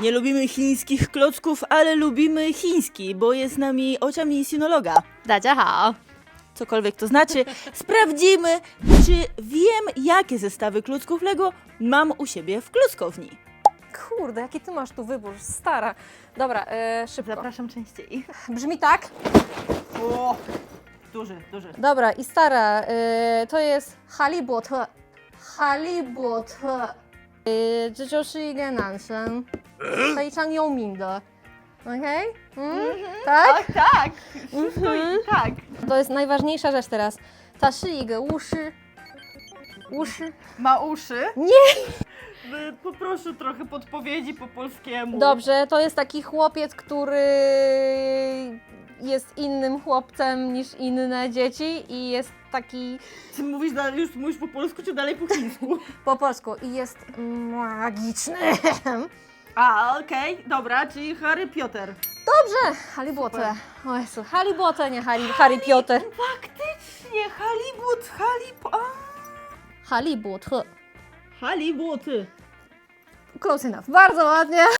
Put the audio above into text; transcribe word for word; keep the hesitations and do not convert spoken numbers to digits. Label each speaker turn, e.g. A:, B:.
A: Nie lubimy chińskich klocków, ale lubimy chiński, bo jest z nami oczami sinologa.
B: 大家好，
A: Cokolwiek to znaczy, sprawdzimy, czy wiem, jakie zestawy klocków Lego mam u siebie w klockowni.
B: Kurde, jaki ty masz tu wybór, stara. Dobra, e, szybko.
A: Zapraszam częściej.
B: Brzmi tak.
A: O, duży, duży.
B: Dobra, i stara, e, to jest Halibote. Halibote. 呃，这就是一个男生，非常有名的。Okej? Mm? Tak?
A: tak, wszystko i tak.
B: To jest najważniejsza rzecz teraz. 他是一个巫师。巫师。
A: Ma uszy?
B: Nie!
A: Poproszę trochę podpowiedzi po polskiemu.
B: Dobrze, to jest taki chłopiec, który jest innym chłopcem niż inne dzieci i jest taki
A: Czy mówisz dalej, już mówisz po polsku, czy dalej po chińsku?
B: po polsku i jest magiczny.
A: A, okej, dobra, czyli Harry Potter.
B: Dobrze, Halibote. O Jezu, Halibote, nie Harry, Harry Potter.
A: Faktycznie, Halibut, Halib... A,
B: Halibote.
A: Halibuty.
B: Close enough. Bardzo ładnie.